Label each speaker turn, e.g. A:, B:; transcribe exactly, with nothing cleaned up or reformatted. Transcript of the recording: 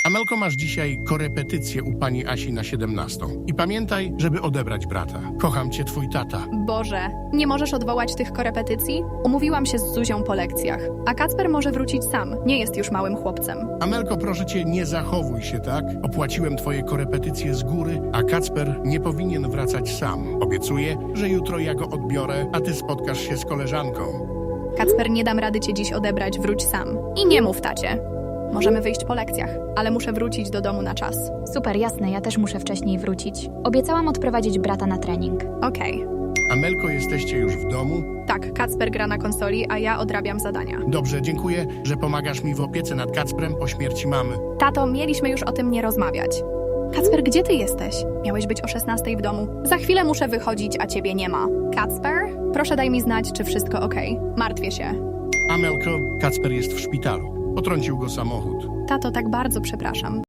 A: Amelko, masz dzisiaj korepetycję u pani Asi na siedemnastą. I pamiętaj, żeby odebrać brata. Kocham cię, twój tata.
B: Boże, nie możesz odwołać tych korepetycji? Umówiłam się z Zuzią po lekcjach, a Kacper może wrócić sam. Nie jest już małym chłopcem.
A: Amelko, proszę cię, nie zachowuj się tak. Opłaciłem twoje korepetycje z góry, a Kacper nie powinien wracać sam. Obiecuję, że jutro ja go odbiorę, a ty spotkasz się z koleżanką.
B: Kacper, nie dam rady cię dziś odebrać, wróć sam. I nie mów tacie. Możemy wyjść po lekcjach, ale muszę wrócić do domu na czas.
C: Super, jasne, ja też muszę wcześniej wrócić. Obiecałam odprowadzić brata na trening.
B: Okej.
A: Amelko, jesteście już w domu?
B: Tak, Kacper gra na konsoli, a ja odrabiam zadania.
A: Dobrze, dziękuję, że pomagasz mi w opiece nad Kacprem po śmierci mamy.
B: Tato, mieliśmy już o tym nie rozmawiać. Kacper, gdzie ty jesteś? Miałeś być o szesnastej w domu. Za chwilę muszę wychodzić, a ciebie nie ma. Kacper? Proszę daj mi znać, czy wszystko okej. Martwię się.
A: Amelko, Kacper jest w szpitalu. Potrącił go samochód.
B: Tato, tak bardzo przepraszam.